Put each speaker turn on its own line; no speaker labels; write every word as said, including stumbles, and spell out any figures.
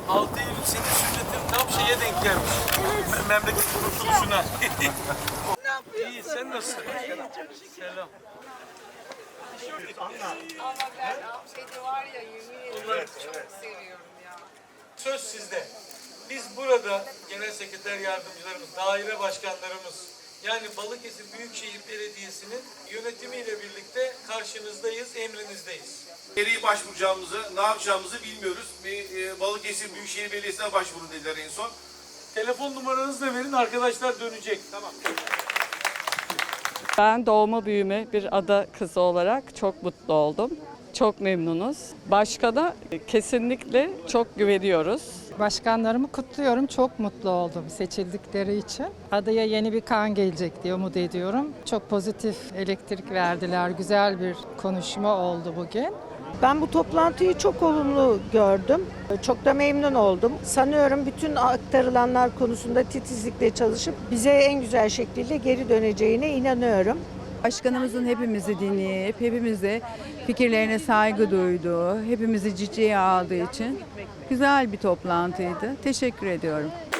altı Eylül senin sünnetin tam şeye denk gelmiş. Me- memleket kurtuluşuna.
Ne yapıyorsun?
İyi, sen nasılsın? Selam.
Ama ben şeyde var ya yemin ederim çok seviyorum ya.
Söz sizde. Biz burada genel sekreter yardımcılarımız, daire başkanlarımız, yani Balıkesir Büyükşehir Belediyesi'nin yönetimiyle birlikte karşınızdayız, emrinizdeyiz.
Nereye başvuracağımızı, ne yapacağımızı bilmiyoruz. Bir e, Balıkesir Büyükşehir Belediyesi'ne başvurun dediler en son.
Telefon numaranızı da verin, arkadaşlar dönecek. Tamam.
Ben doğma büyüme bir ada kızı olarak çok mutlu oldum. Çok memnunuz. Başkana kesinlikle çok güveniyoruz.
Başkanlarımı kutluyorum. Çok mutlu oldum seçildikleri için. Adaya yeni bir kan gelecek diye umut ediyorum. Çok pozitif elektrik verdiler. Güzel bir konuşma oldu bugün.
Ben bu toplantıyı çok olumlu gördüm. Çok da memnun oldum. Sanıyorum bütün aktarılanlar konusunda titizlikle çalışıp bize en güzel şekliyle geri döneceğine inanıyorum.
Başkanımızın hepimizi dinleyip, hepimize fikirlerine saygı duyduğu, hepimizi ciddiye aldığı için güzel bir toplantıydı. Teşekkür ediyorum.